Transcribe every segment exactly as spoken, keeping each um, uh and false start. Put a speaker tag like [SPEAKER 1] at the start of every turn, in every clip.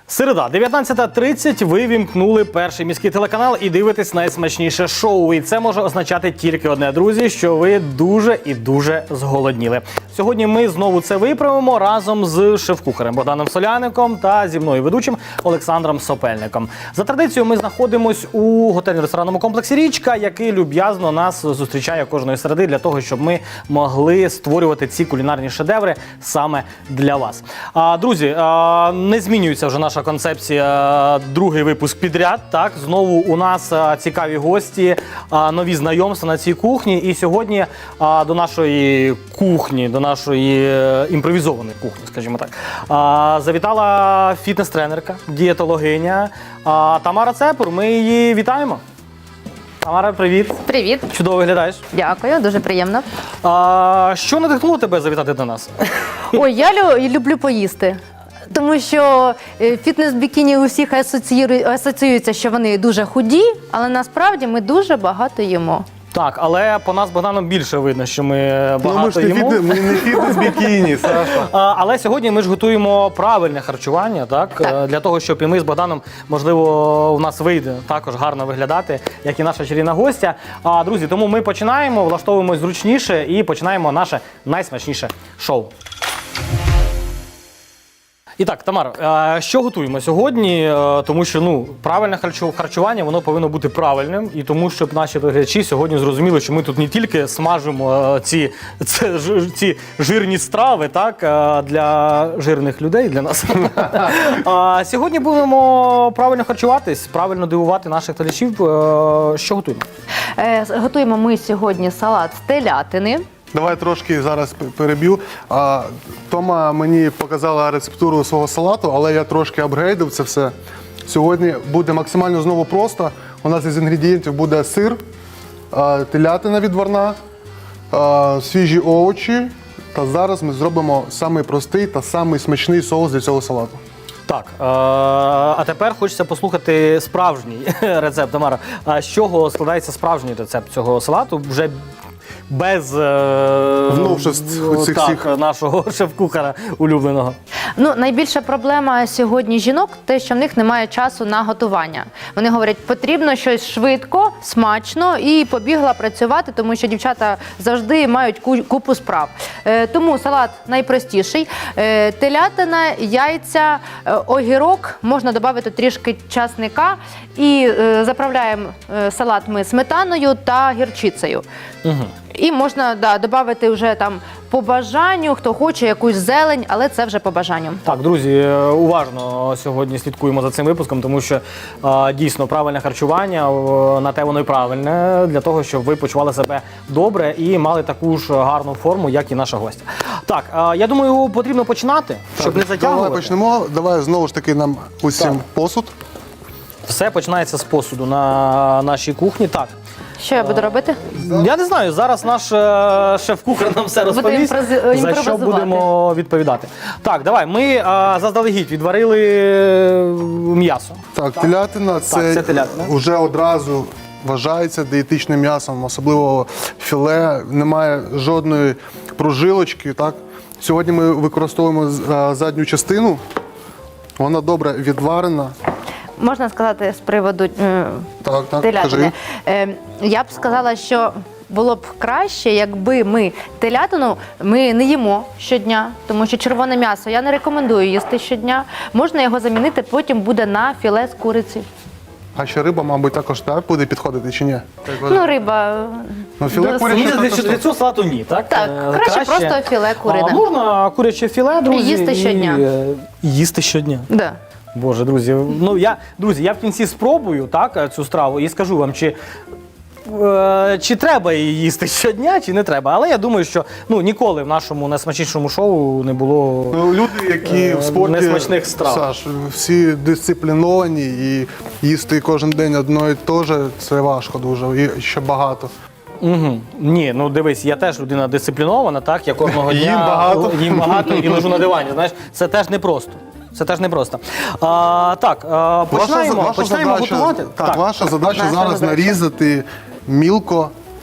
[SPEAKER 1] Середа, дев'ятнадцята тридцять, ви вімкнули перший міський телеканал і дивитесь найсмачніше шоу. І це може означати тільки одне, друзі, що ви дуже і дуже зголодніли. Сьогодні ми знову це виправимо разом з шеф-кухарем Богданом Соляником та зі мною ведучим Олександром Сопельником. За традицією ми знаходимось у готельно-ресторанному комплексі «Річка», який люб'язно нас зустрічає кожної середи для того, щоб ми могли створювати ці кулінарні шедеври саме для вас. А, друзі, а, не змінюється вже наша концепція, другий випуск підряд. Так, знову у нас а, цікаві гості, а, нові знайомства на цій кухні. І сьогодні а, до нашої кухні, до нашої е, імпровізованої кухні, скажімо так, а, завітала фітнес-тренерка, дієтологиня а, Тамара Цепур. Ми її вітаємо. Тамара, привіт.
[SPEAKER 2] Привіт.
[SPEAKER 1] Чудово виглядаєш.
[SPEAKER 2] Дякую, дуже приємно.
[SPEAKER 1] А, що надихнуло тебе завітати до нас?
[SPEAKER 2] Ой, я лю- люблю поїсти. Тому що е, фітнес-бікіні у всіх асоціює- асоціюється, що вони дуже худі, але насправді ми дуже багато їмо.
[SPEAKER 1] Так, але по нас, Богданом, більше видно, що ми багато
[SPEAKER 3] Ну, ми ж не
[SPEAKER 1] їмо.
[SPEAKER 3] фітнес, ми не фітнес-бікіні, Саша.
[SPEAKER 1] А, але сьогодні ми ж готуємо правильне харчування, так?
[SPEAKER 2] Так.
[SPEAKER 1] Е, для того, щоб і ми з Богданом, можливо, у нас вийде також гарно виглядати, як і наша чарівна гостя. А, друзі, тому ми починаємо, влаштовуємось зручніше і починаємо наше найсмачніше шоу. І так, Тамар, е, що готуємо сьогодні? Е, Тому що ну, правильне харчу- харчування, воно повинно бути правильним. І тому, щоб наші глядачі сьогодні зрозуміли, що ми тут не тільки смажимо е, ці, це, ж- ці жирні страви, так, е, для жирних людей, для нас. А сьогодні будемо правильно харчуватись, правильно дивувати наших глядачів. Е, Що готуємо?
[SPEAKER 2] Е, с- готуємо ми сьогодні салат з телятини.
[SPEAKER 3] Давай трошки зараз п- переб'ю. А, Тома мені показала рецептуру свого салату, але я трошки апгрейдив це все. Сьогодні буде максимально знову просто. У нас із інгредієнтів буде сир, а, телятина відварна, а, свіжі овочі. Та зараз ми зробимо самий простий та самий смачний соус для цього салату.
[SPEAKER 1] Так, е, а тепер хочеться послухати справжній рецепт, Тамара. А з чого складається справжній рецепт цього салату? Вже без е,
[SPEAKER 3] Новшеств цих
[SPEAKER 1] так,
[SPEAKER 3] всіх.
[SPEAKER 1] нашого шеф-кухара улюбленого.
[SPEAKER 2] Ну, найбільша проблема сьогодні жінок – те, що в них немає часу на готування. Вони говорять, потрібно щось швидко, смачно і побігла працювати, тому що дівчата завжди мають ку- купу справ. Е, тому салат найпростіший. Е, телятина, яйця, е, огірок, можна додати трішки часника і е, заправляємо е, салат ми сметаною та гірчицею.
[SPEAKER 1] Угу.
[SPEAKER 2] І можна да, додати вже там по бажанню, хто хоче якусь зелень, але це вже по бажанню.
[SPEAKER 1] Так, друзі, е, уважно сьогодні слідкуємо за цим випуском, тому що е, дійсно правильне харчування, е, на те воно і правильне, для того, щоб ви почували себе добре і мали таку ж гарну форму, як і наша гостя. Так, е, я думаю, потрібно починати, щоб не затягувати.
[SPEAKER 3] Давай почнемо. Давай знову ж таки нам усім
[SPEAKER 1] Так.
[SPEAKER 3] посуд.
[SPEAKER 1] Все починається з посуду на нашій кухні. Так.
[SPEAKER 2] Що я буду робити?
[SPEAKER 1] Я не знаю, зараз наш е, шеф-кухар нам все
[SPEAKER 2] Буде
[SPEAKER 1] розповість,
[SPEAKER 2] імпрози-
[SPEAKER 1] за що
[SPEAKER 2] імпровизувати.
[SPEAKER 1] будемо відповідати. Так, давай, ми е, заздалегідь відварили е, м'ясо.
[SPEAKER 3] Так, телятина це,
[SPEAKER 1] це телятина.
[SPEAKER 3] вже одразу вважається дієтичним м'ясом, особливо філе, немає жодної прожилочки. Так? Сьогодні ми використовуємо з- а, задню частину, вона добре відварена.
[SPEAKER 2] Можна сказати з приводу е,
[SPEAKER 3] Так, так,
[SPEAKER 2] телятини.
[SPEAKER 3] кажи.
[SPEAKER 2] Е, я б сказала, що було б краще, якби ми телятину ми не їмо щодня, тому що червоне м'ясо я не рекомендую їсти щодня. Можна його замінити, потім буде на філе з куриці.
[SPEAKER 3] А ще риба, мабуть, також так буде підходити чи ні?
[SPEAKER 2] Ну, риба.
[SPEAKER 3] Ну, філе
[SPEAKER 2] дос-
[SPEAKER 3] куряче
[SPEAKER 1] Мені здається,
[SPEAKER 3] також
[SPEAKER 1] що для цього салату ні, так?
[SPEAKER 2] Так,
[SPEAKER 1] Е,
[SPEAKER 2] краще просто філе курине.
[SPEAKER 1] А, можна куряче філе, друзі.
[SPEAKER 2] Їсти щодня.
[SPEAKER 1] І, е, їсти щодня.
[SPEAKER 2] Да.
[SPEAKER 1] Боже, друзі, ну я, друзі, я в кінці спробую так, цю страву і скажу вам, чи, е, чи треба її їсти щодня, чи не треба. Але я думаю, що ну, ніколи в нашому найсмачнішому шоу не було.
[SPEAKER 3] Ну, люди, які
[SPEAKER 1] Е,
[SPEAKER 3] в спорті,
[SPEAKER 1] несмачних страв.
[SPEAKER 3] Саш, всі дисципліновані і їсти кожен день одно і те ж, це важко дуже, і ще багато.
[SPEAKER 1] Угу. Ні, ну дивись, я теж людина дисциплінована, так, я кожного дня
[SPEAKER 3] Їм багато.
[SPEAKER 1] їм багато і лежу на дивані. Знаєш, це теж непросто. Це теж непросто. А, так, а, починаємо,
[SPEAKER 3] ваша
[SPEAKER 1] починаємо
[SPEAKER 3] задача,
[SPEAKER 1] готувати.
[SPEAKER 3] Так, ваша задача
[SPEAKER 2] Наша
[SPEAKER 3] зараз
[SPEAKER 2] задача.
[SPEAKER 3] нарізати мілко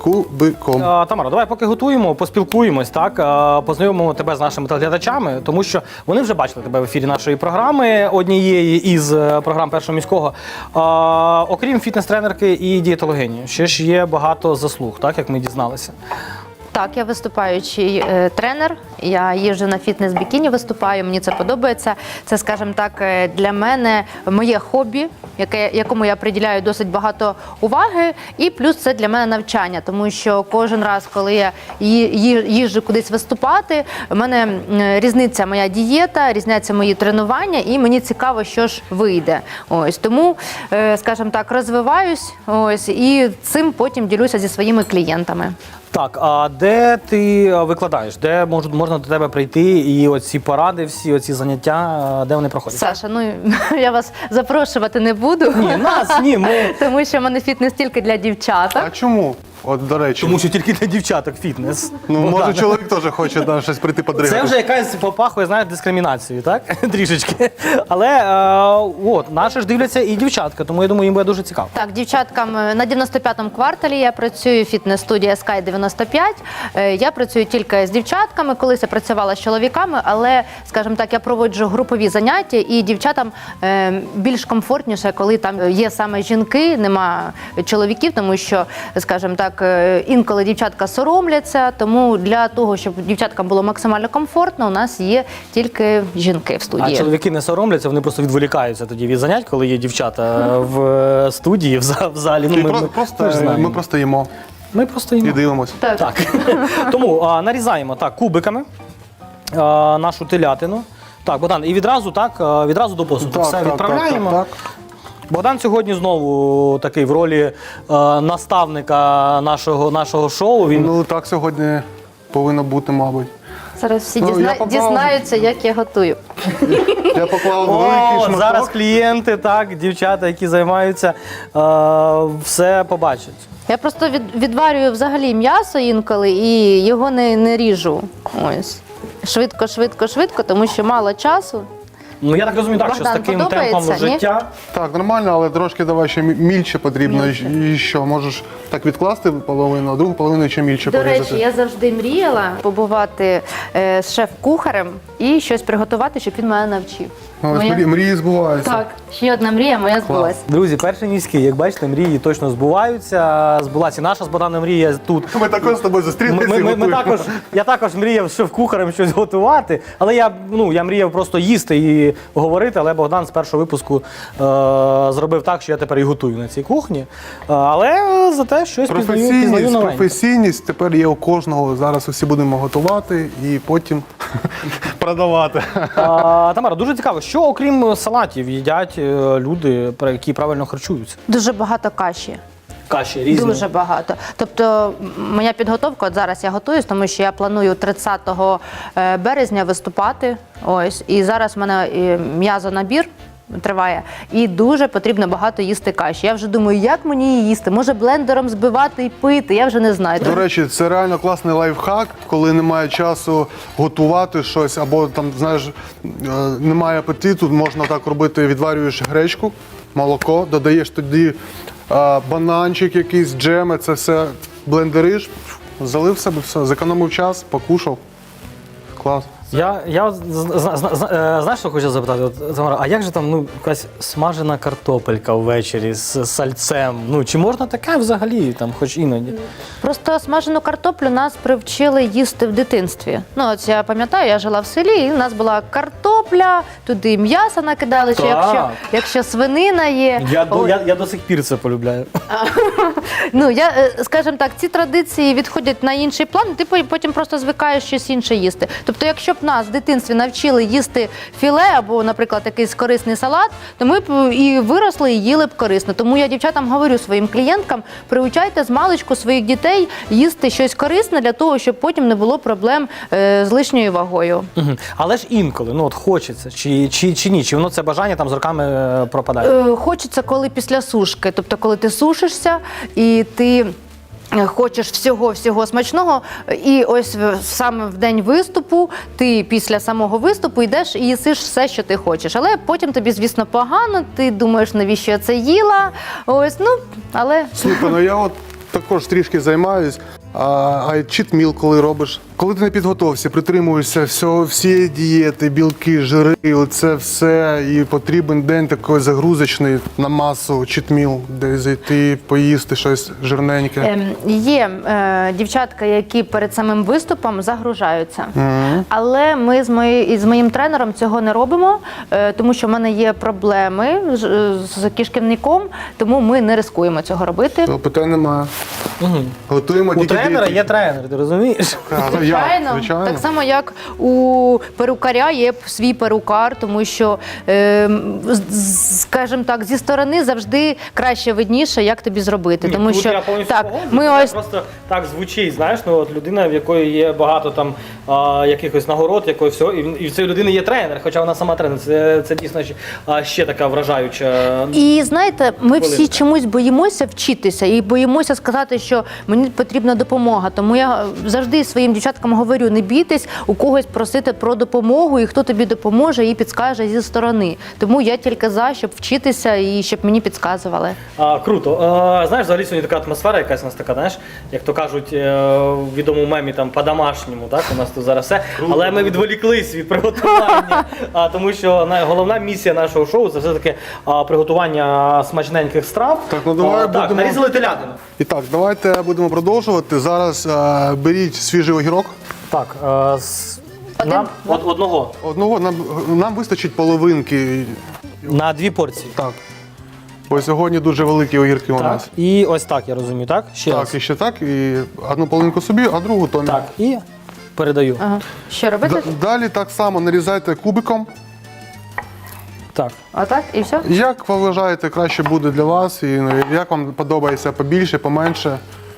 [SPEAKER 3] кубиком.
[SPEAKER 1] А, Тамара, давай поки готуємо, поспілкуємось, так, а, познайомимо тебе з нашими телеглядачами, тому що вони вже бачили тебе в ефірі нашої програми, однієї із е, програм Першого міського. А, окрім фітнес-тренерки і дієтологині, ще ж є багато заслуг, так, як ми дізналися.
[SPEAKER 2] Так, я виступаючий е, тренер. Я їжджу на фітнес-бікіні, виступаю. Мені це подобається. Це, скажімо так, е, для мене моє хобі, яке, якому я приділяю досить багато уваги. І плюс це для мене навчання, тому що кожен раз, коли я ї- ї- їжджу кудись виступати, в мене м, різниця моя дієта, різняться мої тренування, і мені цікаво, що ж вийде. Ось тому, е, скажімо так, розвиваюсь. Ось і цим потім ділюся зі своїми клієнтами.
[SPEAKER 1] Так, а де ти викладаєш? Де мож, можна до тебе прийти і оці поради, всі оці заняття, де вони проходять?
[SPEAKER 2] Саша, ну я вас запрошувати не буду.
[SPEAKER 1] Ні, нас, ні, ми...
[SPEAKER 2] Тому що в мене фітнес тільки для дівчаток.
[SPEAKER 3] А чому? От, до речі.
[SPEAKER 1] Тому що тільки для дівчаток фітнес.
[SPEAKER 3] Ну,
[SPEAKER 1] Богдан.
[SPEAKER 3] може, чоловік теж хоче да, щось прийти подригати.
[SPEAKER 1] Це вже якась попахує, знаєш, дискримінацією, так? Трішечки. Але е, от, наші ж дивляться і дівчатка, тому я думаю, їм буде дуже цікаво.
[SPEAKER 2] Так, дівчаткам е, на дев'яносто п'ятому кварталі я працюю, фітнес-студія Sky дев'яносто п'ять. Е, Я працюю тільки з дівчатками, колись я працювала з чоловіками, але, скажімо так, я проводжу групові заняття, і дівчатам е, більш комфортніше, коли там є саме жінки, нема чоловіків, тому що, скажімо так, е, інколи дівчатка соромляться, тому для того, щоб дівчаткам було максимально комфортно, у нас є тільки жінки в студії.
[SPEAKER 1] А чоловіки не соромляться, вони просто відволікаються тоді від занять, коли є дівчата в студії, в за- в залі. Ну,
[SPEAKER 3] І
[SPEAKER 1] ми,
[SPEAKER 3] про-
[SPEAKER 1] ми,
[SPEAKER 3] просто,
[SPEAKER 1] ми ж знаємо.
[SPEAKER 3] ми просто їмо
[SPEAKER 1] Ми просто
[SPEAKER 3] і
[SPEAKER 1] їмо.
[SPEAKER 3] дивимося.
[SPEAKER 2] Так.
[SPEAKER 1] Так. Тому а, нарізаємо так, кубиками а, нашу телятину. Так, Богдан, і відразу так, а, відразу до посуду.
[SPEAKER 3] Так,
[SPEAKER 1] Все
[SPEAKER 3] так,
[SPEAKER 1] відправляємо.
[SPEAKER 3] так, так, так.
[SPEAKER 1] Богдан сьогодні знову такий в ролі е, наставника нашого, нашого шоу. Він
[SPEAKER 3] Ну, так сьогодні повинно бути, мабуть.
[SPEAKER 2] Зараз всі
[SPEAKER 3] Ну,
[SPEAKER 2] дізна...
[SPEAKER 3] я поклав-
[SPEAKER 2] дізнаються, як я готую.
[SPEAKER 3] Я поклав великий
[SPEAKER 1] О,
[SPEAKER 3] шматок.
[SPEAKER 1] зараз клієнти, так, дівчата, які займаються, е, все побачать.
[SPEAKER 2] Я просто від, відварюю взагалі м'ясо інколи і його не, не ріжу. Ось. Швидко, швидко, швидко, тому що мало часу.
[SPEAKER 1] Ну я так розумію, так, що з
[SPEAKER 2] Богдан,
[SPEAKER 1] таким
[SPEAKER 2] подобається,
[SPEAKER 1] темпом
[SPEAKER 2] ні?
[SPEAKER 1] життя.
[SPEAKER 3] Так, нормально, але трошки давай ще мі- мільче потрібно. І що, можеш так відкласти половину, а другу половину ще мільче
[SPEAKER 2] До
[SPEAKER 3] порізати.
[SPEAKER 2] речі, я завжди мріяла побувати е, з шеф-кухарем і щось приготувати, щоб він мене навчив.
[SPEAKER 3] Ну, ось
[SPEAKER 2] Моя-
[SPEAKER 3] мрії, мрії збуваються.
[SPEAKER 2] Так, ще одна мрія моя збулася.
[SPEAKER 1] Друзі, перший міський, як бачите, мрії точно збуваються. Збулася і наша з Богданом мрія тут.
[SPEAKER 3] Ми також з тобою
[SPEAKER 1] Ми,
[SPEAKER 3] зустрілися.
[SPEAKER 1] ми,
[SPEAKER 3] і
[SPEAKER 1] ми, ми
[SPEAKER 3] готуємо.
[SPEAKER 1] також, я також мріяв з шеф-кухарем щось готувати, але я, ну, я мріяв просто їсти і говорити, але Богдан з першого випуску е, зробив так, що я тепер і готую на цій кухні. Е, але зате щось пізнаю, пізнаю
[SPEAKER 3] Професійність,
[SPEAKER 1] новеньке.
[SPEAKER 3] професійність тепер є у кожного. Зараз усі будемо готувати і потім продавати.
[SPEAKER 1] А, Тамара, дуже цікаво, що окрім салатів їдять е, люди, про які правильно харчуються?
[SPEAKER 2] Дуже багато каші.
[SPEAKER 1] Каші різні.
[SPEAKER 2] Дуже багато. Тобто м, моя підготовка, от зараз я готуюсь, тому що я планую тридцятого березня виступати. Ось. І зараз в мене е, м'язонабір триває. І дуже потрібно багато їсти каші. Я вже думаю, як мені її їсти? Може блендером збивати і пити? Я вже не знаю.
[SPEAKER 3] До речі, це реально класний лайфхак, коли немає часу готувати щось, або там, знаєш, е, немає апетиту, можна так робити, відварюєш гречку, молоко, додаєш тоді е, бананчик, якийсь джеми, це все блендериш, залив себе, все, зекономив час, покушав. Клас.
[SPEAKER 1] Я, я от з- з- з- з- е, знаєш, що хочу запитати? От, Тамара, а як же там ну, якась смажена картопелька ввечері з сальцем? Ну, чи можна таке взагалі, там, хоч іноді?
[SPEAKER 2] Просто смажену картоплю нас привчили їсти в дитинстві. Ну, от я пам'ятаю, я жила в селі, і у нас була картопля, туди м'ясо накидали, чи
[SPEAKER 1] Так.
[SPEAKER 2] якщо, якщо свинина є.
[SPEAKER 1] Я, до-
[SPEAKER 2] Ой.
[SPEAKER 1] я, я до сих пір це полюбляю.
[SPEAKER 2] Ну, я, е, скажімо так, ці традиції відходять на інший план, і ти по- потім просто звикаєш щось інше їсти. Тобто, якщо б нас в дитинстві навчили їсти філе або, наприклад, якийсь корисний салат, то ми б і виросли, і їли б корисно. Тому я дівчатам говорю своїм клієнткам, приучайте з маличку своїх дітей їсти щось корисне для того, щоб потім не було проблем е, з лишньою вагою.
[SPEAKER 1] Мгм. Але ж інколи, ну от хочеться, чи, чи, чи ні, чи воно це бажання там з роками е, пропадає?
[SPEAKER 2] Е, Хочеться, коли після сушки, тобто коли ти сушишся і ти е, хочеш всього-всього смачного, і ось в- саме в день виступу ти після самого виступу йдеш і їсиш все, що ти хочеш. Але потім тобі, звісно, погано, ти думаєш, навіщо я це їла, ось, ну, але...
[SPEAKER 3] Слухай, ну я от також трішки займаюсь. А, а читміл, коли робиш. Коли ти на підготовці, притримуєшся всього, всієї дієти, білки, жири, оце все, і потрібен день такий загрузочний на масу, читміл, де зайти, поїсти щось жирненьке.
[SPEAKER 2] Ем, Є е, дівчатка, які перед самим виступом загружаються. Але ми з, мої, з моїм тренером цього не робимо, е, тому що в мене є проблеми з, з кишківником, тому ми не рискуємо цього робити.
[SPEAKER 3] То питань немає. Готуємо
[SPEAKER 1] У
[SPEAKER 3] тільки
[SPEAKER 1] тренера
[SPEAKER 3] дієтичні.
[SPEAKER 1] є тренер, ти розумієш?
[SPEAKER 3] А, я,
[SPEAKER 2] Звичайно.
[SPEAKER 3] звичайно.
[SPEAKER 2] Так само, як у перукаря є свій перукар, тому що, е, скажімо так, зі сторони завжди краще видніше, як тобі зробити.
[SPEAKER 1] Ні,
[SPEAKER 2] тому
[SPEAKER 1] тут
[SPEAKER 2] що
[SPEAKER 1] я повністю
[SPEAKER 2] так,
[SPEAKER 1] погоджуюсь,
[SPEAKER 2] ми
[SPEAKER 1] це
[SPEAKER 2] ось
[SPEAKER 1] просто так звучить, знаєш, ну от людина, в якої є багато там а, якихось нагород, якої всього, і, в- і в цієї людини є тренер, хоча вона сама тренер. Це, це дійсно ще, а, ще така вражаюча.
[SPEAKER 2] І знаєте, ми всі
[SPEAKER 1] Хвилинка.
[SPEAKER 2] чомусь боїмося вчитися і боїмося сказати, що мені потрібна допомога. Тому я завжди своїм дівчаткам говорю: не бійтесь у когось просити про допомогу, і хто тобі допоможе і підскаже зі сторони. Тому я тільки за, щоб вчитися і щоб мені підказували.
[SPEAKER 1] А, круто. А, знаєш, взагалі сьогодні така атмосфера якась у нас така, знаєш, як то кажуть е, в відомому мемі там по-домашньому, так? У нас тут зараз все. Але ми відволіклись від приготування, а, тому що на- головна місія нашого шоу це все-таки а, приготування смачненьких страв.
[SPEAKER 3] Так, ну давай
[SPEAKER 1] а, так,
[SPEAKER 3] будемо-
[SPEAKER 1] нарізали телятину.
[SPEAKER 3] І так, давайте будемо продовжувати. Зараз е, беріть свіжий огірок.
[SPEAKER 1] Так, е, з...
[SPEAKER 2] Один?
[SPEAKER 1] нам од- одного
[SPEAKER 3] Одного нам, нам вистачить половинки.
[SPEAKER 1] на дві порції.
[SPEAKER 3] Так. Бо сьогодні дуже великі огірки у
[SPEAKER 1] Так,
[SPEAKER 3] нас.
[SPEAKER 1] і ось так, я розумію, так? Ще
[SPEAKER 3] Так,
[SPEAKER 1] раз.
[SPEAKER 3] і ще так. І одну половинку собі, а другу Томі.
[SPEAKER 1] Так, і передаю.
[SPEAKER 2] Ага. Що робити?
[SPEAKER 3] Д- Далі так само нарізайте кубиком.
[SPEAKER 1] Так.
[SPEAKER 2] Отак і все?
[SPEAKER 3] Як ви вважаєте, краще буде для вас, і ну, як вам подобається побільше, поменше.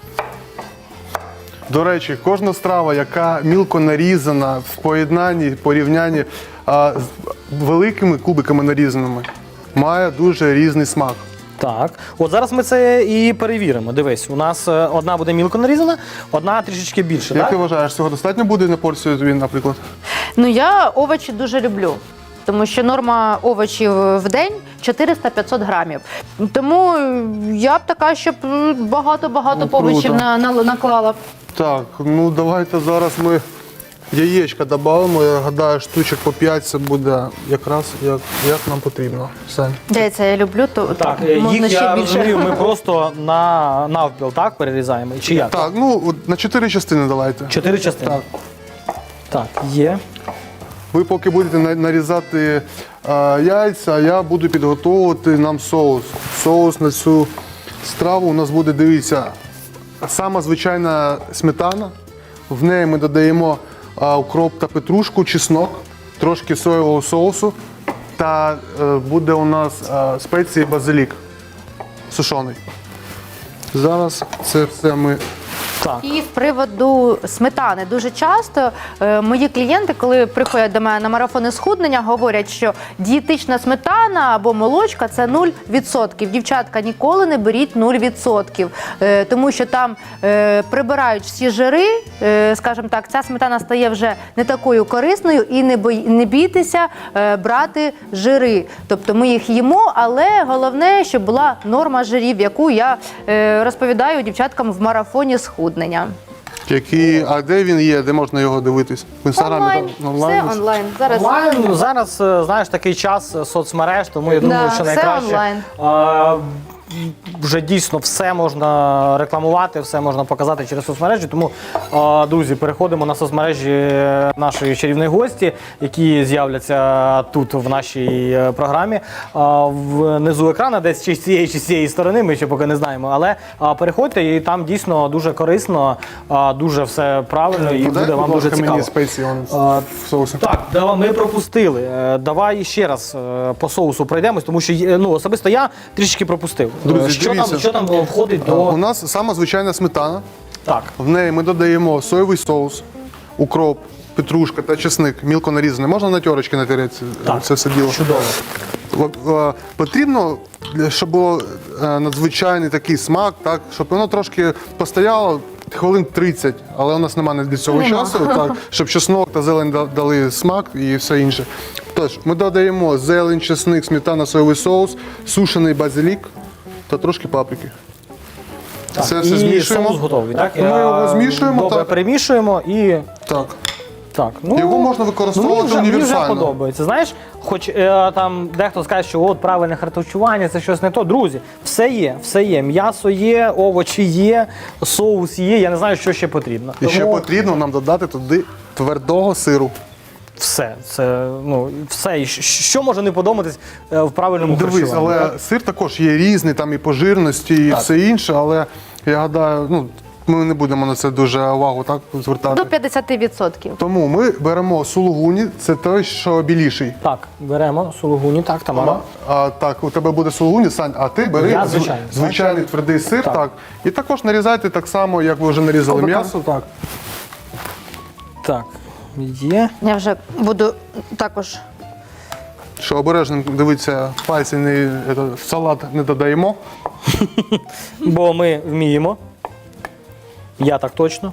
[SPEAKER 3] До речі, кожна страва, яка мілко нарізана в поєднанні, порівнянні а, з великими кубиками нарізаними, має дуже різний смак.
[SPEAKER 1] Так, от зараз ми це і перевіримо. Дивись, у нас е, одна буде мілко нарізана, одна трішечки більше.
[SPEAKER 3] Як
[SPEAKER 1] Так?
[SPEAKER 3] ти вважаєш, цього достатньо буде на порцію тобі, наприклад?
[SPEAKER 2] Ну, я овочі дуже люблю. Тому що норма овочів в день чотириста-п'ятсот грамів. Тому я б така, щоб багато-багато
[SPEAKER 3] Ну, круто.
[SPEAKER 2] овочів на, на, наклала.
[SPEAKER 3] Так, ну давайте зараз ми яєчка додамо. Я гадаю, штучок по п'ять це буде якраз як, як нам потрібно. Все.
[SPEAKER 2] Яйця я люблю, то
[SPEAKER 1] Так, е,
[SPEAKER 2] можна
[SPEAKER 1] їх,
[SPEAKER 2] ще
[SPEAKER 1] я
[SPEAKER 2] більше.
[SPEAKER 1] розумію, ми просто на навпіл так перерізаємо. Чи як?
[SPEAKER 3] Так, ну от на чотири частини давайте.
[SPEAKER 1] Чотири частини.
[SPEAKER 3] Так.
[SPEAKER 1] Так, є.
[SPEAKER 3] Ви поки будете на- нарізати е, яйця, я буду підготовувати нам соус. Соус на цю страву у нас буде, дивіться, сама звичайна сметана. В неї ми додаємо е, укроп та петрушку, чеснок, трошки соєвого соусу. Та е, буде у нас е, спеції базилік сушений. Зараз це все ми.
[SPEAKER 1] Так.
[SPEAKER 2] І з приводу сметани. Дуже часто е, мої клієнти, коли приходять до мене на марафони схуднення, говорять, що дієтична сметана або молочка – це нуль відсотків. Дівчатка, ніколи не беріть нуль відсотків, е, тому що там е, прибирають всі жири, е, скажімо так, ця сметана стає вже не такою корисною, і не, бой, не бійтеся е, брати жири. Тобто ми їх їмо, але головне, щоб була норма жирів, яку я е, розповідаю дівчаткам в марафоні схуднення.
[SPEAKER 3] Які, а де він є, де можна його дивитись? В інстаграмі?
[SPEAKER 2] Онлайн.
[SPEAKER 3] так?
[SPEAKER 2] Все онлайн. Зараз
[SPEAKER 1] Онлайн зараз, е, знаєш, такий час е, соцмереж, тому я думаю,
[SPEAKER 2] Да,
[SPEAKER 1] що
[SPEAKER 2] все
[SPEAKER 1] найкраще.
[SPEAKER 2] онлайн.
[SPEAKER 1] а, Вже дійсно все можна рекламувати, все можна показати через соцмережі. Тому, а, друзі, переходимо на соцмережі нашої чарівної гості, які з'являться тут в нашій е, програмі. А, Внизу екрану, десь чи з цієї, чи з цієї сторони, ми ще поки не знаємо. Але а, переходьте, і там дійсно дуже корисно, а, дуже все правильно, і
[SPEAKER 3] Подай,
[SPEAKER 1] буде вам
[SPEAKER 3] будь
[SPEAKER 1] дуже
[SPEAKER 3] ласка,
[SPEAKER 1] цікаво.
[SPEAKER 3] мені спеції он,
[SPEAKER 1] А,
[SPEAKER 3] в соусі.
[SPEAKER 1] Так, давай, ми пропустили. Е, Давай ще раз е, по соусу пройдемось, тому що є- ну, особисто я трішки пропустив.
[SPEAKER 3] Друзі,
[SPEAKER 1] Е, що, там,
[SPEAKER 3] дивіться.
[SPEAKER 1] що там е, входить
[SPEAKER 3] У
[SPEAKER 1] до.
[SPEAKER 3] нас сама звичайна сметана.
[SPEAKER 1] Так.
[SPEAKER 3] В неї ми додаємо соєвий соус, укроп, петрушка та чесник, мілко нарізаний. Можна на терочки натерети
[SPEAKER 1] Так.
[SPEAKER 3] це все діло.
[SPEAKER 1] Чудово.
[SPEAKER 3] О- е, Потрібно, для- щоб було е, надзвичайний такий смак, так, щоб воно трошки постояло хвилин тридцять, але у нас немає для цього
[SPEAKER 2] Нема.
[SPEAKER 3] часу, так, щоб чеснок та зелень да- дали смак і все інше. Тож, ми додаємо зелень, чесник, сметана, соєвий соус, сушений базилік та трошки паприки. Це все
[SPEAKER 1] і
[SPEAKER 3] змішуємо.
[SPEAKER 1] соус готовий, так?
[SPEAKER 3] Ми його змішуємо,
[SPEAKER 1] Добре,
[SPEAKER 3] так.
[SPEAKER 1] перемішуємо і
[SPEAKER 3] Так.
[SPEAKER 1] так. Ну,
[SPEAKER 3] Його можна
[SPEAKER 1] ну,
[SPEAKER 3] використовувати
[SPEAKER 1] мені вже, мені вже
[SPEAKER 3] універсально.
[SPEAKER 1] подобається. Знаєш, хоч е, там дехто скаже, що от правильне харчування, це щось не то. Друзі, все є, все є. М'ясо є, овочі є, соус є. Я не знаю, що ще потрібно.
[SPEAKER 3] І ще
[SPEAKER 1] Тому
[SPEAKER 3] потрібно нам додати туди твердого сиру.
[SPEAKER 1] все, це ну все. І щ- що може не подобатись е, в правильному
[SPEAKER 3] Дивись,
[SPEAKER 1] харчуванні?
[SPEAKER 3] але
[SPEAKER 1] так?
[SPEAKER 3] сир також є різний, там і по жирності, і
[SPEAKER 1] Так.
[SPEAKER 3] все інше, але я гадаю, ну, ми не будемо на це дуже увагу так, звертати.
[SPEAKER 2] До п'ятдесят відсотків.
[SPEAKER 3] Тому ми беремо сулугуні, це той, що біліший.
[SPEAKER 1] Так, беремо сулугуні, так, Тамара.
[SPEAKER 3] А, так, у тебе буде сулугуні, Сань, а ти бери
[SPEAKER 1] Я
[SPEAKER 3] зв-
[SPEAKER 1] звичайний.
[SPEAKER 3] звичайний твердий сир,
[SPEAKER 1] Так.
[SPEAKER 3] так. І також нарізайте так само, як ви вже нарізали
[SPEAKER 1] Отака.
[SPEAKER 3] м'ясо. Так.
[SPEAKER 1] Так, є.
[SPEAKER 2] Я вже буду також.
[SPEAKER 3] Що обережно, дивіться, пальці не, это, в салат не додаємо.
[SPEAKER 1] Бо ми вміємо. Я так точно.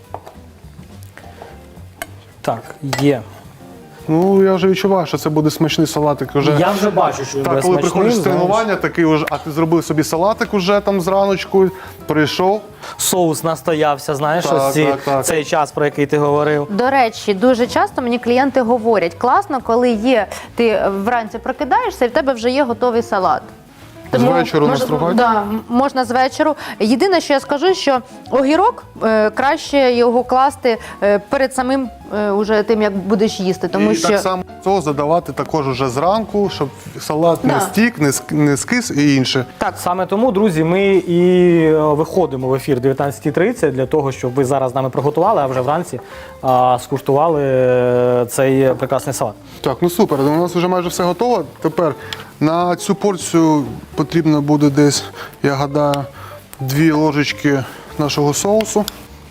[SPEAKER 1] Так, є.
[SPEAKER 3] Ну, я вже відчуваю, що це буде смачний салатик. Уже.
[SPEAKER 1] Я вже бачу, що він
[SPEAKER 3] Так,
[SPEAKER 1] буде
[SPEAKER 3] коли
[SPEAKER 1] смачним,
[SPEAKER 3] приходиш з
[SPEAKER 1] знаєш.
[SPEAKER 3] тренування, такий уже, а ти зробив собі салатик уже там зраночку, прийшов.
[SPEAKER 1] Соус настоявся, знаєш,
[SPEAKER 3] Так,
[SPEAKER 1] ось ці,
[SPEAKER 3] так, так.
[SPEAKER 1] цей час, про який ти говорив.
[SPEAKER 2] До речі, дуже часто мені клієнти говорять, класно, коли є, ти вранці прокидаєшся і в тебе вже є готовий салат.
[SPEAKER 3] З вечору
[SPEAKER 2] мож-
[SPEAKER 3] настругати?
[SPEAKER 2] Да, м- можна з вечору. Єдине, що я скажу, що огірок е, краще його класти е, перед самим е, уже тим, як будеш їсти. Тому
[SPEAKER 3] і
[SPEAKER 2] що
[SPEAKER 3] так само соус задавати також уже зранку, щоб салат не
[SPEAKER 2] Да.
[SPEAKER 3] стік, не, ск- не скис і інше.
[SPEAKER 1] Так, саме тому, друзі, ми і е, виходимо в ефір дев'ятнадцята тридцять для того, щоб ви зараз з нами приготували, а вже вранці а, скуштували е, цей прекрасний салат.
[SPEAKER 3] Так, ну супер, у нас вже майже все готово. Тепер на цю порцію потрібно буде десь, я гадаю, дві ложечки нашого соусу.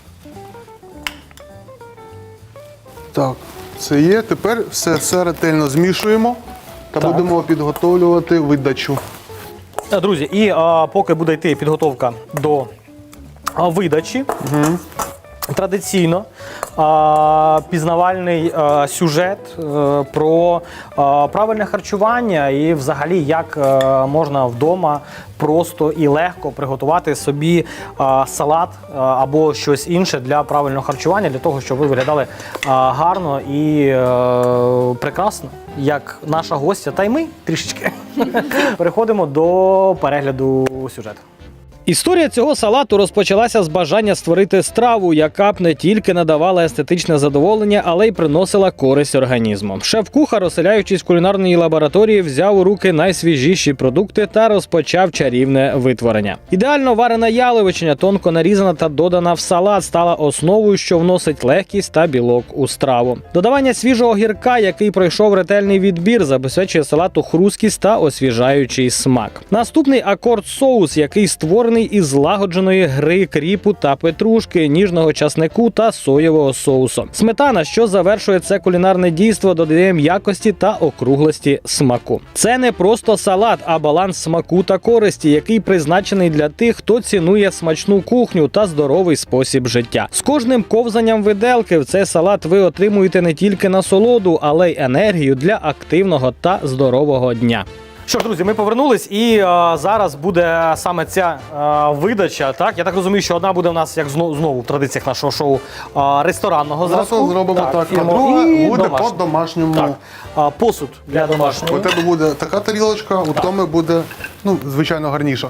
[SPEAKER 3] Так, це є. Тепер все, все ретельно змішуємо та
[SPEAKER 1] Так.
[SPEAKER 3] будемо підготовлювати видачу.
[SPEAKER 1] Е, Друзі, і а, поки буде йти підготовка до а, видачі, традиційно а, пізнавальний а, сюжет е, про а, правильне харчування і взагалі як е, можна вдома просто і легко приготувати собі а, салат а, або щось інше для правильного харчування, для того, щоб ви виглядали а, гарно і е, прекрасно, як наша гостя, та й ми трішечки. Переходимо до перегляду сюжету. Історія цього салату розпочалася з бажання створити страву, яка б не тільки надавала естетичне задоволення, але й приносила користь організму. Шеф-кухар, оселяючись в кулінарній лабораторії, взяв у руки найсвіжіші продукти та розпочав чарівне витворення. Ідеально варена яловичина, тонко нарізана та додана в салат, стала основою, що вносить легкість та білок у страву. Додавання свіжого гірка, який пройшов ретельний відбір, забезпечує салату хрусткість та освіжаючий смак. Наступний акорд соус, який створений із злагодженої гри кріпу та петрушки, ніжного часнику та соєвого соусу. Сметана, що завершує це кулінарне дійство, додає м'якості та округлості смаку. Це не просто салат, а баланс смаку та користі, який призначений для тих, хто цінує смачну кухню та здоровий спосіб життя. З кожним ковзанням виделки в цей салат ви отримуєте не тільки насолоду, але й енергію для активного та здорового дня. Що ж, друзі, ми повернулись, і е, зараз буде саме ця е, видача. Так, я так розумію, що одна буде в нас, як знову, знову в традиціях нашого шоу, е, ресторанного
[SPEAKER 3] Зараз
[SPEAKER 1] зразку.
[SPEAKER 3] зробимо так, а
[SPEAKER 1] фірму,
[SPEAKER 3] друга
[SPEAKER 1] і
[SPEAKER 3] буде
[SPEAKER 1] домашню.
[SPEAKER 3] по-домашньому.
[SPEAKER 1] Так, е, посуд для домашнього.
[SPEAKER 3] У тебе буде така тарілочка, у Томи буде, ну, звичайно, гарніша.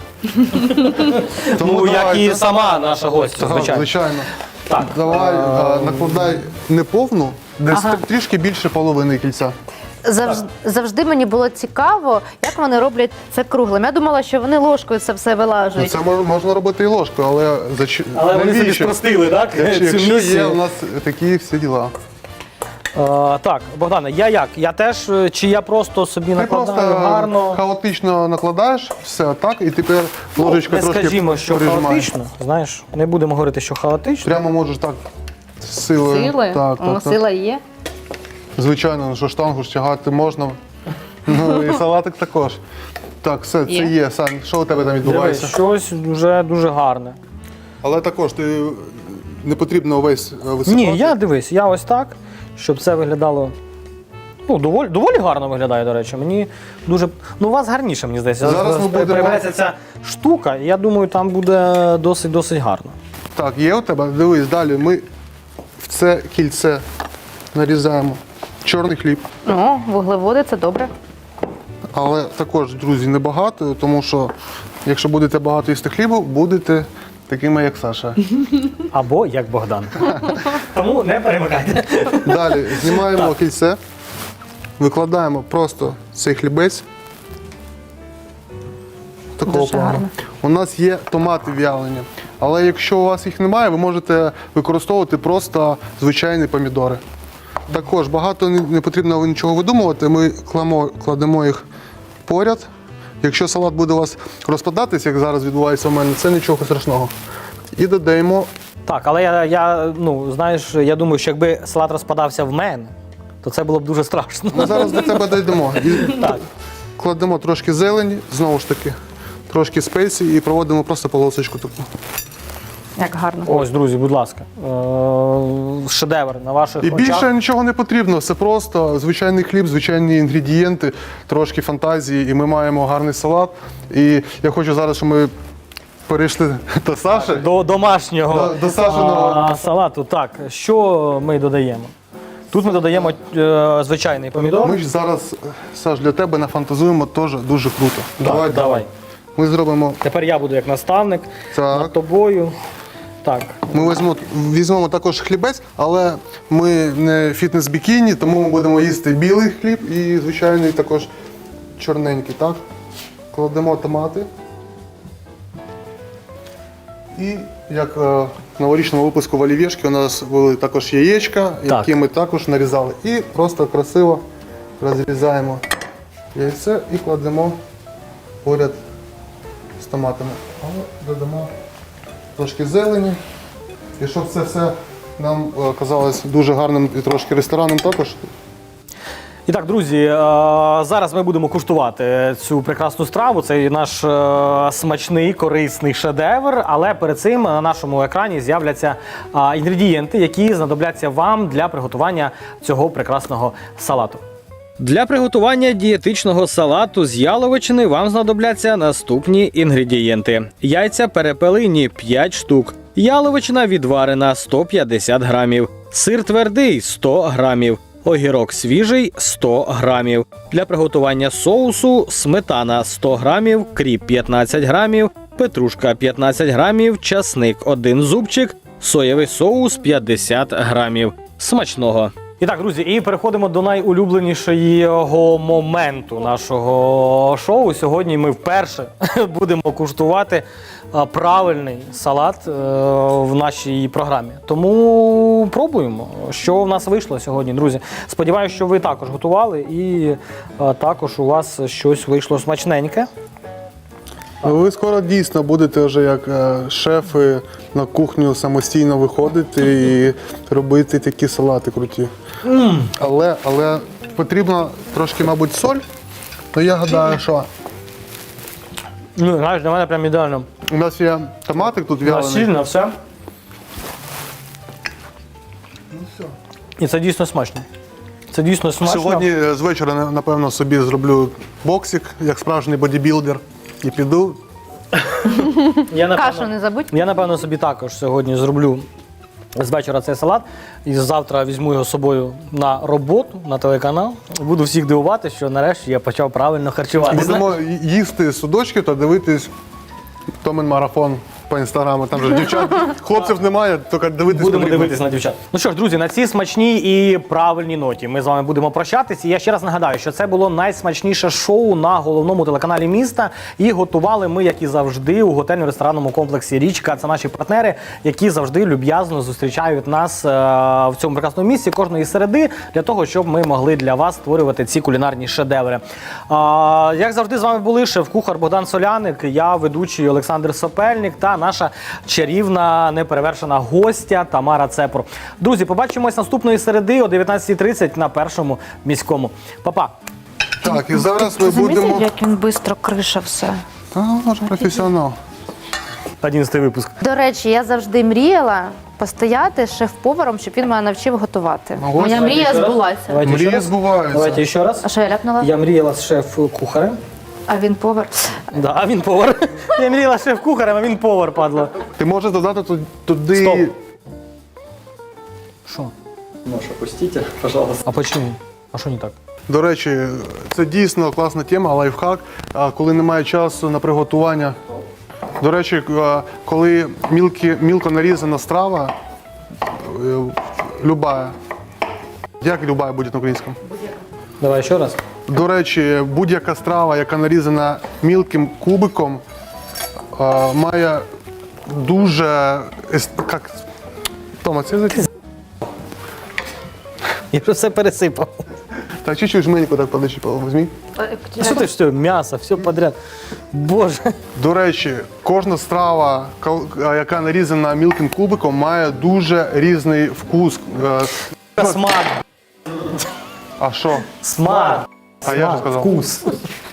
[SPEAKER 1] Ну, як і
[SPEAKER 3] давайте.
[SPEAKER 1] сама наша гостя,
[SPEAKER 3] Так,
[SPEAKER 1] звичайно.
[SPEAKER 3] звичайно.
[SPEAKER 1] Так.
[SPEAKER 3] Давай, а, накладай не повну, десь трішки більше половини кільця.
[SPEAKER 2] завжди, завжди мені було цікаво, як вони роблять це круглим. Я думала, що вони ложкою це все
[SPEAKER 3] Ну,
[SPEAKER 2] вилажують.
[SPEAKER 3] це мож- можна робити і ложкою, але зач...
[SPEAKER 1] Але вони собі
[SPEAKER 3] навіщо?
[SPEAKER 1] спростили, так?
[SPEAKER 3] Якщо,
[SPEAKER 1] цю
[SPEAKER 3] якщо є
[SPEAKER 1] місію.
[SPEAKER 3] у нас такі всі діла.
[SPEAKER 1] Е, так, Богдане, я як? Я теж, е, чи я просто собі
[SPEAKER 3] Ти
[SPEAKER 1] накладаю
[SPEAKER 3] просто
[SPEAKER 1] гарно?
[SPEAKER 3] хаотично накладаєш все так, і тепер ложечка
[SPEAKER 1] Не
[SPEAKER 3] трошки
[SPEAKER 1] скажімо, що
[SPEAKER 3] прижимаєш.
[SPEAKER 1] хаотично, знаєш, не будемо говорити, що хаотично.
[SPEAKER 3] Прямо можеш так з силою.
[SPEAKER 2] Сили?
[SPEAKER 3] Так,
[SPEAKER 2] О,
[SPEAKER 3] так, так.
[SPEAKER 2] сила є.
[SPEAKER 3] Звичайно, ну, що штангу ж тягати можна. Ну і салатик також. Так, все, це
[SPEAKER 2] Є.
[SPEAKER 3] є. Сань, що у тебе там
[SPEAKER 1] Дивись,
[SPEAKER 3] відбувається?
[SPEAKER 1] щось вже дуже гарне.
[SPEAKER 3] Але також ти не потрібно увесь е, висипати.
[SPEAKER 1] Ні, я дивись, я ось так, щоб це виглядало Ну, доволі, доволі гарно виглядає, до речі. Мені дуже. Ну, у вас гарніше, мені здається.
[SPEAKER 3] Зараз ми будемо-
[SPEAKER 1] Перебереться ця штука, і я думаю, там буде досить-досить гарно.
[SPEAKER 3] Так, є у тебе? Дивись, далі ми в це кільце нарізаємо чорний хліб.
[SPEAKER 2] О, вуглеводи, це добре.
[SPEAKER 3] Але також, друзі, небагато, тому що якщо будете багато їсти хлібу, будете такими, як Саша.
[SPEAKER 1] Або як Богдан. Тому не перемикайте.
[SPEAKER 3] Далі знімаємо кільце, викладаємо просто цей хлібець. Такого
[SPEAKER 2] Дуже
[SPEAKER 3] плану.
[SPEAKER 2] гарно.
[SPEAKER 3] У нас є томати в'ялені, але якщо у вас їх немає, ви можете використовувати просто звичайні помідори. Також багато не не потрібно нічого видумувати, ми кладемо, кладемо їх поряд. Якщо салат буде у вас розпадатись, як зараз відбувається у мене, це нічого страшного. І додаємо.
[SPEAKER 1] Так, але я, я, ну, знаєш, я думаю, що якби салат розпадався в мене, то це було б дуже страшно.
[SPEAKER 3] Ми зараз до тебе дійдемо. І
[SPEAKER 1] Так.
[SPEAKER 3] кладемо трошки зелені, знову ж таки, трошки спеції і проводимо просто полосочку таку.
[SPEAKER 2] Як гарно.
[SPEAKER 1] Ось, друзі, будь ласка. Е- шедевр на ваших
[SPEAKER 3] І
[SPEAKER 1] очах.
[SPEAKER 3] більше нічого не потрібно, все просто звичайний хліб, звичайні інгредієнти, трошки фантазії, і ми маємо гарний салат. І я хочу зараз, щоб ми перейшли до Саші.
[SPEAKER 1] До домашнього
[SPEAKER 3] До- до Сашиного.
[SPEAKER 1] а, салату. Так, що ми додаємо? Тут ми додаємо е, звичайний помідор.
[SPEAKER 3] Ми ж зараз, Саш, для тебе нафантазуємо теж дуже круто.
[SPEAKER 1] Так, давай.
[SPEAKER 3] Ми зробимо.
[SPEAKER 1] Тепер я буду як наставник
[SPEAKER 3] Так.
[SPEAKER 1] над тобою. Так.
[SPEAKER 3] Ми візьмемо, візьмемо також хлібець, але ми не фітнес-бікіні, тому ми будемо їсти білий хліб і звичайний також чорненький. Так? Кладемо томати. І як е, в новорічному випуску в олівєшки у нас були також яєчка, які ми також нарізали. І просто красиво розрізаємо яйце і кладемо поряд з томатами. Але додамо трошки зелені. І щоб це все нам е, казалось дуже гарним і трошки ресторанним також.
[SPEAKER 1] І так, друзі, е, зараз ми будемо куштувати цю прекрасну страву. Це наш е, смачний, корисний шедевр. Але перед цим на нашому екрані з'являться е, інгредієнти, які знадобляться вам для приготування цього прекрасного салату. Для приготування дієтичного салату з яловичини вам знадобляться наступні інгредієнти: яйця перепелині п'ять штук, яловичина відварена сто п'ятдесят грамів, сир твердий сто грамів, огірок свіжий сто грамів. Для приготування соусу сметана сто грамів, кріп п'ятнадцять грамів, петрушка п'ятнадцять грамів, часник один зубчик, соєвий соус п'ятдесят грамів. Смачного! І так, друзі, і переходимо до найулюбленішого моменту нашого шоу. Сьогодні ми вперше будемо куштувати а, правильний салат е, в нашій програмі. Тому пробуємо, що в нас вийшло сьогодні, друзі. Сподіваюся, що ви також готували і е, також у вас щось вийшло смачненьке.
[SPEAKER 3] Ви скоро дійсно будете вже як е, шефи на кухню самостійно виходити і робити такі салати круті. Mm. Але, але потрібно трошки, мабуть, соль. То я гадаю, що
[SPEAKER 1] Ну, знаєш, для мене прям ідеально.
[SPEAKER 3] у нас є томатик тут в'ялений.
[SPEAKER 1] Насильно все.
[SPEAKER 3] Ну, все.
[SPEAKER 1] І це дійсно смачно. Це дійсно смачно.
[SPEAKER 3] Сьогодні е, з вечора, напевно, собі зроблю боксик, як справжній бодібілдер, і піду.
[SPEAKER 1] Я, напевно,
[SPEAKER 2] Кашу не забудь.
[SPEAKER 1] Я, напевно, собі також сьогодні зроблю з вечора цей салат. І завтра візьму його з собою на роботу, на телеканал. Буду всіх дивувати, що нарешті я почав правильно харчуватися.
[SPEAKER 3] Будемо їсти судочки та дивитись Томен марафон по інстаграму. Там же дівчат, хлопців немає, тільки дивитись
[SPEAKER 1] Будемо
[SPEAKER 3] потрібно.
[SPEAKER 1] дивитися на дівчат. Ну що ж, друзі, на цій смачній і правильній ноті ми з вами будемо прощатись. І я ще раз нагадаю, що це було найсмачніше шоу на головному телеканалі міста. І готували ми, як і завжди, у готельно-ресторанному комплексі «Річка». Це наші партнери, які завжди люб'язно зустрічають нас е, в цьому прекрасному місці кожної середи, для того, щоб ми могли для вас створювати ці кулінарні шедеври. Е, як завжди, з вами були шеф-кухар Богдан Соляник, я ведучий Олександр Сопельник та наша чарівна, неперевершена гостя Тамара Цепур. Друзі, побачимось наступної середи о дев'ятнадцятій тридцять на Першому міському. Па-па!
[SPEAKER 3] Так, і зараз ми
[SPEAKER 2] Замітив,
[SPEAKER 3] будемо.
[SPEAKER 2] як він швидко криша все.
[SPEAKER 3] Та, може, професіонал.
[SPEAKER 1] одинадцятий випуск.
[SPEAKER 2] До речі, я завжди мріяла постояти з шеф-поваром, щоб він мене навчив готувати.
[SPEAKER 3] Ну, ось.
[SPEAKER 2] Моя мрія збулася.
[SPEAKER 1] Давайте ще
[SPEAKER 3] Мрії
[SPEAKER 1] раз.
[SPEAKER 3] збуваються.
[SPEAKER 1] Давайте ще раз.
[SPEAKER 2] А що я ляпнула?
[SPEAKER 1] Я мріяла з шеф-кухарем.
[SPEAKER 2] А він повар.
[SPEAKER 1] Да, а він повар. Я мріяла з шеф-кухарем, а він повар, падло.
[SPEAKER 3] Ти можеш додати ту- туди.
[SPEAKER 1] Стоп. Що?
[SPEAKER 4] Нож опустите, пожалуйста.
[SPEAKER 1] А почему? А що не так?
[SPEAKER 3] До речі, це дійсно класна тема, лайфхак. А коли немає часу на приготування. До речі, а, коли мілкі, мілко нарізана страва, е, любая. Як любая буде на українському?
[SPEAKER 1] Давай ще раз.
[SPEAKER 3] До речі, будь-яка страва, яка нарізана мілким кубиком, а, має дуже. ес- Як... Тома, це за-
[SPEAKER 1] Я вже все пересипав.
[SPEAKER 3] Так, чуть-чуть жменьку так подачіпав, візьмі.
[SPEAKER 1] А що ти ж все, м'ясо, все подряд. Боже.
[SPEAKER 3] До речі, кожна страва, кол- яка нарізана мілким кубиком, має дуже різний вкус. Е,
[SPEAKER 1] Смак,
[SPEAKER 3] А що?
[SPEAKER 1] смак.
[SPEAKER 3] А я ж сказав.
[SPEAKER 1] Вкус.